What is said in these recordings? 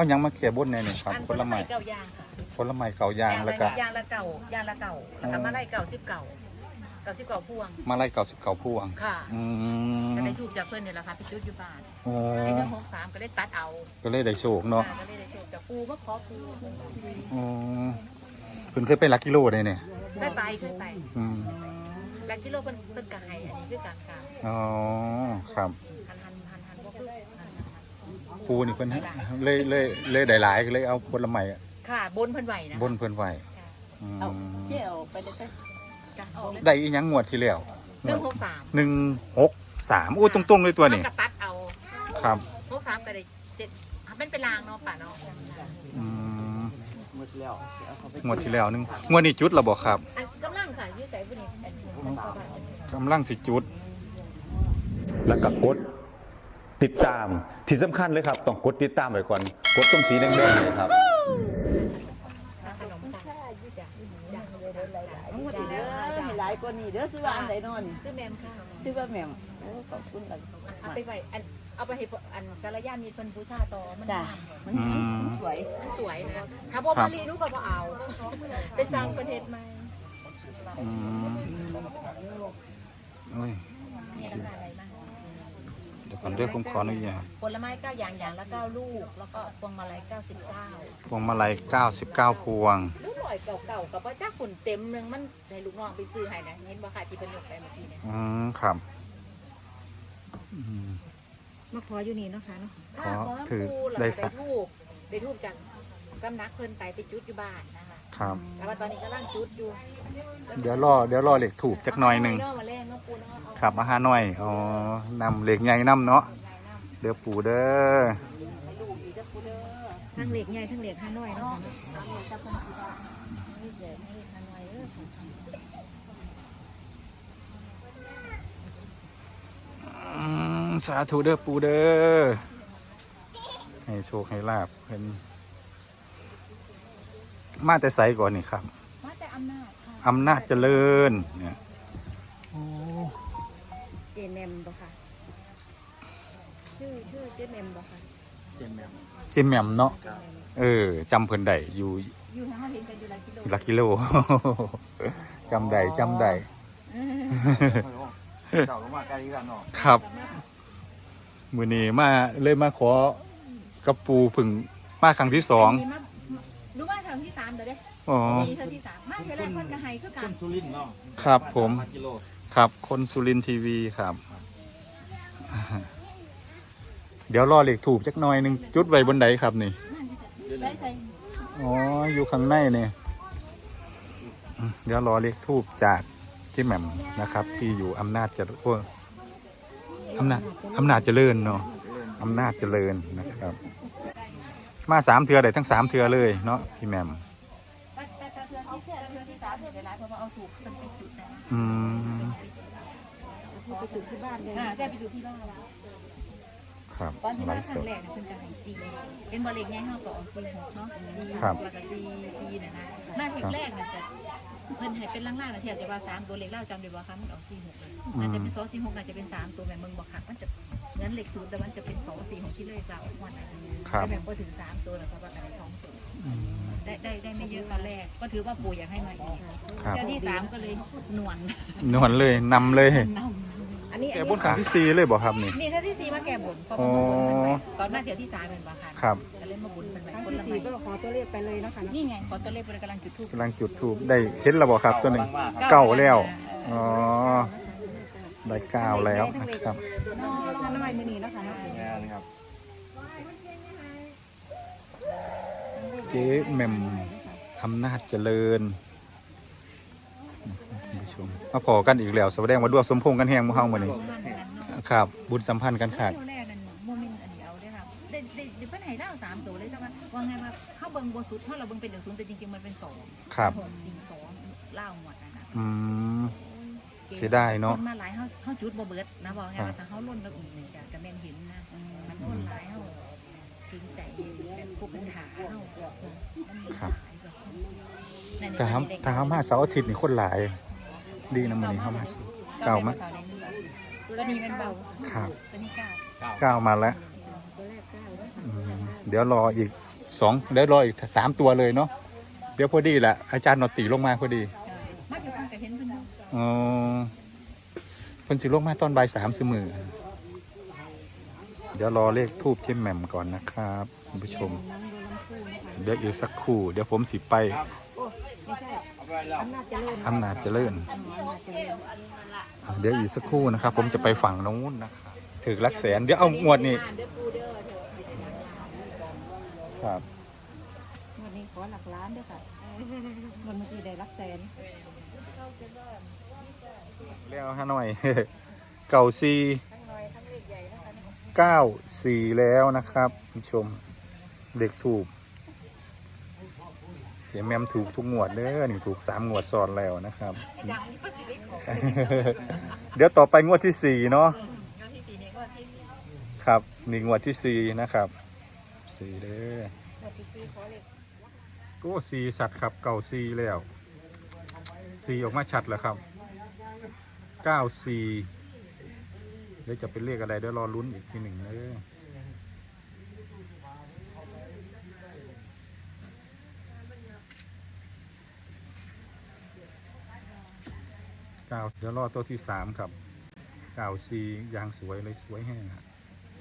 เอายังมาแก้บนแน่นี่ครับผลไม้เก่ายางค่ะผลไม้เก่ายางแล้วก็ยางละเก่แล้วก็มาไล่เก่าพวงมาไล่99พวงค่ะอืก็มได้ถูกจากเพื่อนเนี่ยแหละค่ะไปจุดอยู่บ้านโอ้ 4163ก็ได้ตัดเอาก็เลยได้โชคเนาะก็เลยได้โชคจากปูมาขอปูอ๋อเพิ่นเคยไปหลักกิโลได้เนี่ยได้ไปขึ้นไปอืมแล้วกิโลเป็นกระไห้อันนี้คือการกลางอ๋อครับหันว่าคือปูนี่เพิ่นเลยได้หลายก็เลยเอาผลไม้ค่ะบนเพิ่นไหวนะบนเพิ่นไว้อืมเอาเชี่ยวไปได้จ้ะออกเลยได้อีหยังงวดที่แล้ว 163 163อู้ตรงๆเลยตัวนี้กระตัดเอาครับ 63ก็ได้7เป็นลางเนาะป่าเนาะอืมหมดแล้วเอาเขาไปงวดที่แล้วนึงงวดนี้จุดแล้วบ่ครับอันกำลังค่ะยืดใส่บุญนี่กำลังสิจุดแล้วก็กดติดตามที่สำคัญเลยครับต้องกดติดตามไว้ก่อนกดตรงสีแดงๆเลยครับขนมตาลยืดจ้ะหมดเด้อให้หลายกว่านี้เด้อซื้อว่าอันใดนอนซื้อแมมค่ะซื้อว่าแหม่มโอ้ขอบคุณกันเอาไปไว้เอาไปให้อันกาลยามีคนบูชาต่อมันจ้ะมันสวยสวยนะถ้าบ่มารีนุก็บ่เอาไปสร้างประเทศใหม่อืมโอ้ยมีราคาอะไรบ้างเดี๋ยวก่อนเด้อผมขออนุญาตผลไม้9อย่างละ9ลูกแล้วก็พวงมาลัย99 พวงมาลัย99พวงลูกหน่อยเก่าๆกับว่าจ้าขุนเต็มนึงมันให้ลูกน้องไปซื้อให้นะเห็นบ่ค่ะที่เพิ่นยกไปเมื่อกี้เนี่ยอืมครับอืมมาขออยู่นี่เนาะค่ะเนาะขอถือได้ได้สักได้ทูบจากกำนักเพิ่นไปจุดอยู่บ้านนะคะครับแต่ว่าตอนนี้กำลังจุดอยู่เดี๋ยวรอเหล็กถูกจักหน่อยหนึ่งเามาแรงเนาะปูเนาะเอาครับอาหารหน่อยอ๋อนำเหล็กใหญ่นำเนาะเดี๋ยวปูเด้อให้ลูกอีกจะปูเด้อทั้งเหล็กใหญ่ทั้งเหล็กห้าน้อยเนาะจะเพิ่นสิว่าเหล็กใหญ่เหล็กห้าน้อยเด้อสาธุเด้อปูเด้อให้โชคให้ลาบเพิ่นมาแต่ไสก่อนนี่ครับมาแต่อำนาจค่ะอำนาจเจริญเนี่ยโอ้เจเมมบ่ค่ะชื่อเจเมมบ่ค่ะเจแหม่มเนาะจำเพิ่นได้อยู่อยู่ทางเฮาเห็นกันอยู่หลายกิโลหลักกิโล จำได้เก่าก็มาไกลกันเนาะครับมื้อนี้มาขอกับปูผึ่งมาครั้งที่สองรู้ว่าทางที่3เด้อเด้อ๋อมีทางที่3มาเท่าแรกเพิ่นก็ให้คือกันสุรินทร์เนาะครับผมกิโลครับคนสุรินทร์ทีวีครับ เดี๋ยวรอเหล็กถูกจักหน่อยหนึงจุดไว้บนใดครับนี่ได้ใส่อ๋ออยู่ข้างในเนี่ยเดี๋ยวรอเหล็กทูบจากที่แหม่มนะครับ ที่อยู่อำนาจเจริญอำนาจเจริญเนาะอำนาจเจริญนะครับ มา3 เทือได้ทั้ง3 เทือเลยเนาะพี่แหม่มแต่เทือที่3เนี่ยหลายเพราะว่าเอาถูกเพิ่นไปจุดนะอืมไปจุดที่บ้านเลยใช่ไปจุดที่บ้านครับตอนที่ไลมาฟ์คสรั้ดงแรกนะเพิ่นก็ให้4เป็นบ่เล็กใหญ่เฮาก็เอา4-6เนาะ4 ครับแล้วก็4น่ะนะมาเพลงแรกน่ะแต่เพิ่นให้เป็นล่างๆน่ะแทบจะว่า3ตัวเล็กเล่าจำได้บ่คะมันเอา4-6เลยน่าจะเป็น2 4 6น่าจะเป็น3ตัวแม่มึงบ่คักมันจะงั้นเลข0แต่มันจะเป็น2 4 6ที่เลขเราม่วนน่ะครับแต่แม่บ่ถึง3ตัวแล้วก็ว่าอะไร2ตัวอืมได้ไม่เยอะตอนแรกก็ถือว่าปู่อยากให้มาอีกครับเจ้าที่3ก็เลยหนวนนวลเลยนำเลยอันนี้แกบนครั้งที่4เลยบอกครับนี่นี่ถ้าที่4มาแก้บนเพราะอ๋อตอนหน้าเที่ยวที่3เป็นบ่ค่ะครับก็เล่นมาบุญเป็นแบบคนที่ละสี่ไม้ก็ขอตัวเลขไปเลยนะคะนี่ไงขอตัวเลขบริกำลังจุดทูบกำลังจุดทูบได้เห็นแล้วบอกครับตัวหนึ่งเก้าแล้วอ๋อได้9แล้วนะครับน้องท่านน้อยมือนีนะคะเนาะงานครับเจ๊แหม่มอำนาจเจริญท่านผู้ชมมาพอกันอีกแล้วแสดงว่าดวงสมพงษ์กันแหงหมู่เฮามื้อนี้ครับ บุญสัมพันธ์กันขาดเที่ยวแรกนั่นโมเมนต์อันเดียวเลยค่ะได้เพิ่นให้เล่า3ตัวเลยแต่ว่าไงว่าเข้าเบิ่งบ่สุดเพราะเราเบิ่งเป็น1 0แต่จริงๆมันเป็น2 ครับ 6 4 2เล่าหมดนะอืม เสียดายเนาะคนมาหลายเฮาจุดบ่เบิดนะบอกไงว่าถ้าเฮาล้นแล้วอีกนี่ก็แม่นเห็นนะมันคนหลายเฮาจริงใจแบบผู้เป็นหาเฮาครับ ถ้าเฮามาเสาร์อาทิตย์นี่คนหลาย ดีนะมื้อนี้เฮามาเก้ามั้ยตัวนี้มันเบาครับตัวนี้9 9มาแล้วอืมเดี๋ยวรออีก 2ได้รออีก3ตัวเลยเนาะเดี๋ยวพอดีแหละอาจารย์นอตีลงมาพอดีมาอยู่ข้างกับเห็นเพิ่นอยู่อ๋อเพิ่นสิลงมาตอนบ่าย3มื้อมือเดี๋ยวรอเลขทูบเจมแหม่มก่อนนะครับคุณผู้ชมเดี๋ยวอีกสักครู่เดี๋ยวผมสิไปอำนาจเจริญเดี๋ยวอีกสักครู่นะครับ ผมจะไปฝั่งโน้นนะครับถึงหลักแสนเดี๋ยวเอางวดนี้ครับวันนี้ขอหลักล้านด้วยค่ะเงินเมื่อกี้ได้หลักแสนเรียกเอาฮะหน่อย เก่า494แล้วนะครับคุณผู้ชมเด็กถูกเดี๋ยวแมมถูกทุกงวดเด้อนี่ถูก3งวดซ้อนแล้วนะครับ เดี๋ยวต่อไปงวดที่4เนาะครับนี่งวดที่4นะครับ4เด้อก็4ชัดครับเก่า4แล้ว4ออกมาชัดแล้วครับ94เดี๋ยวจะเป็นเลขอะไรเดี๋ยวรอลุ้นอีกทีหนึ่งเด้อเดี๋ยวรอตัวที่3ครับ94ยางสวยเลยสวยแห้งครับ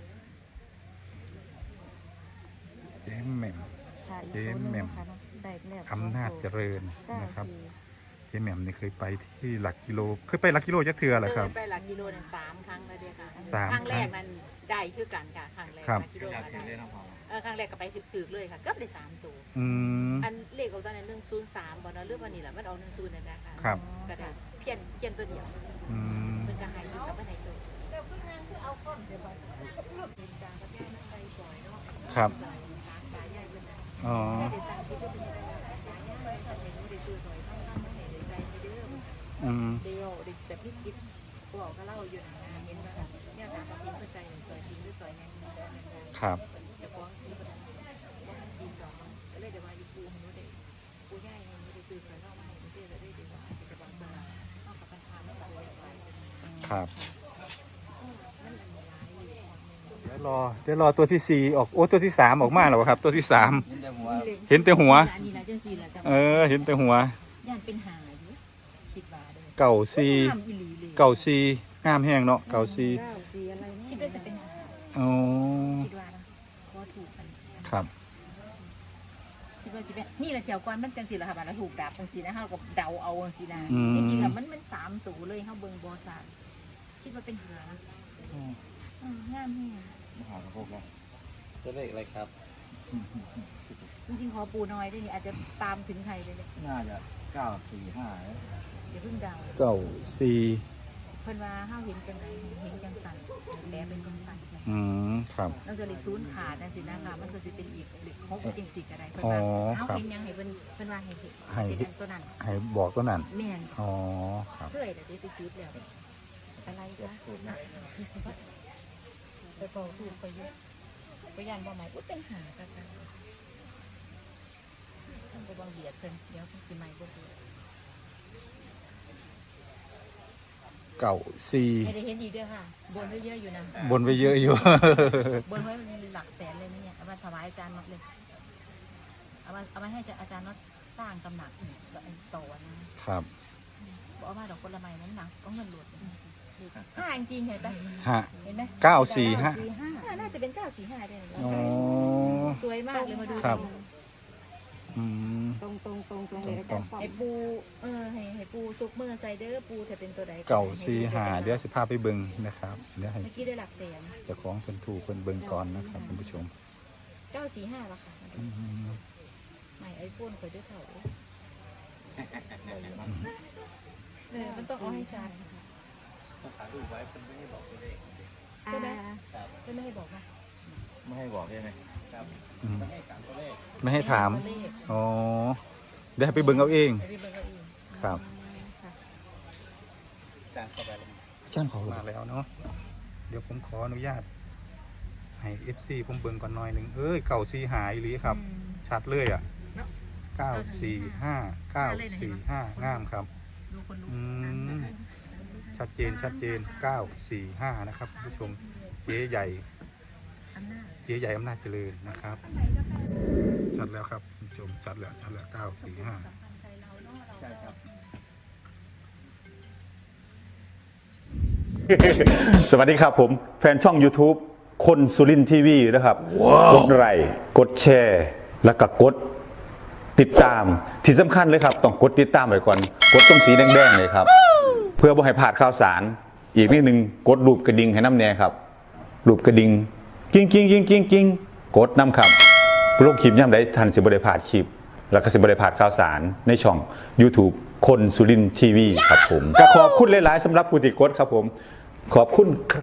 เจมแหม่ม เจมแหม่มอำนาจเจริญนะครับเจมแหม่มนี่เคยไปที่หลักกิโลเคยไปหลักกิโลจักเทือเหรอครับไปหลักกิโลนั่น3 ครั้งแล้วเด้อค่ะ 3 ครั้งแรกนั้นได้คือกันค่ะครั้งแรกครับหลักกิโลก็ได้ครั้งแรกก็ไปถึกๆเลยค่ะเกือบได้3ตัวอืมอันเลขของตอนนั้น103บ่เนาะเรื่องวันนี้แหละมันเอา10นั่นนะคะครับก็ได้เพี้ยนตัวเดียวอืมเพิ่นก็ให้อยู่กับบ่ได้โชว์ครับอ๋ออืมเดียวเด็กแต่พี่คิดบอกก็เล่าอยู่นะเห็นว่าเนี่ยตามความจริงเข้าใจสวยจริงหรือสวยยังครับจะฟ้องที่กินดอกก็เลยเดี๋ยวมาอยู่ปูมันได้ปูใหญ่มันได้ซื้อสวยนอกมาให้มันได้ได้ดีกว่าจะบางตัวนอกกับปัญหาไม่เลยไปครับเดี๋ยวรอตัวที่4ออกโอ้ตัวที่3ออกมาแล้วครับ ตัวที่3เห็นแต่หัวอันนี้นะจังซี่ล่ะจังเห็นแต่หัวย่านเป็นหาอยู่คิดว่าเด้อเก่าห้ามอีหลีเลย 4เก่า4งามแห้งเนาะเก่า4 สีอะไรคิดเนี่ยว่าจะเป็นหาอ๋อคิดว่านะพอถูกกันครับคิดว่าสิเป็นนี่แหละแถวก่อนมันจังซี่ล่ะค่ะบัดเราถูกดับจังซี่นะเฮาก็เดาเอาจังซี่นะอืมจริงๆแล้วมัน3ตัวเลยเฮาเบิ่งบ่ชัดคิดว่าเป็นหางามแฮงมหาพวกแล้วจะเลขอะไรครับจริงๆขอปูน้อยด้วยนี่อาจจะตามถึงใครเลยเนี่ยน่าจะ945 อย่าเพิ่งเดาเก่าเพิ่นว่าห้าเห็นจังไดเห็นจังสั่นแปลเป็นจังสั่นอืมครับแล้วจะเลข0ขาดนั่นสินะคะมันก็สิเป็นอีกเลข6จังสี่ก็ได้เพิ่นอ๋อว่าครัเฮาบเห็นยังให้เพิ่นว่าให้เห็นให้เห็นตัวนั้นให้บอกตัวนั้นแม่นอ๋อครับเคยแต่ได้ไปจุดแล้วอะไรจ๊ะไปเป่าถูกไปเยอะไปยันบ่หมายปุ๊บเป็นหากันต้องไปบ่เบียดเพิ่นเดี๋ยวสิใหม่บ่ถูกเก่าไม่ได้เห็นอีกด้วยค่ะบนไว้เยอะอยู่นะ 4บนไปเยอะอยู่บนไว้หลักแสนเลยนะเนี่ยเอามาถวายอาจารย์น็อตเลยเอามาให้อาจารย์น็อตสร้างตำหนักอีกต่อนะครับ บอกว่าดอกผลไม้นั้นหนักก็เงินหลุด5จริงๆเห็นปะฮะเห็นไหม 945 น่าจะเป็น945ได้เลยอ๋อสวยมากเลยมาดูครับ อืมตรงเลยอาจารย์ป้อมให้ปูให้ปูซุกมือไซเดอร์ปูจะเป็นตัวใดเก่า45เดี๋ยวสิพาไปเบิ่งนะครับเดี๋ยวให้เมื่อกี้ได้หลักแสนเจ้าของเพิ่นถูกเพิ่นเบิ่งก่อนนะครับคุณผู้ชม 945ละค่ะอืมใหม่ไอโฟนเคยด้วยเขามันต้องเอาให้ชัดใช่ไหมจะไม่ให้บอกนะไม่ให้บอกใช่ไหมครับอืมไม่ให้การตัวเลขไม่ให้ถามอ๋อเดี๋ยวให้ไปเบิ่งเอาเองไปเบิ่งเอาเองครับการเข้าไปแล้วจ้างเขามาแล้วเนาะเดี๋ยวผมขออนุญาตให้ FC ผมเบิ่งก่อนหน่อยหนึงเก่า4หายหรือครับ ชัดเลยอ่ะ 945 งามครับดูคนดูอืมชัดเจน945นะครับคุณผู้ชมเจ๊ใหญ่อำนาจเจ๊ใหญ่อำนาจเจริญนะครับชัดแล้วครับคุณผู้ชมชัดแล้ว945 ใช่ครับสวัสดีครับผมแฟนช่อง YouTube คนสุรินทีวีนะครับกดไลค์กดแชร์แล้วก็กดติดตามที่สำคัญเลยครับต้องกดติดตามไว้ก่อนกดตรงสีแดงๆเลยครับเพื่อบ่ให้พลาดข่าวสารอีกนิดนึงกดรูปกระดิ่งให้น้ำแน่ครับรูปกระดิ่งกิ้งกิ้งกิ้งกิ้งกิ้งกดน้ำครับโลกคลิปย่ำได้ทันสิบได้พลาดคลิปแล้วก็สิบได้พลาดข่าวสารในช่อง YouTube คนสุรินทีวีครับผมก็ขอบคุณหลายๆสำหรับผู้ติดกดครับผมขอบคุณ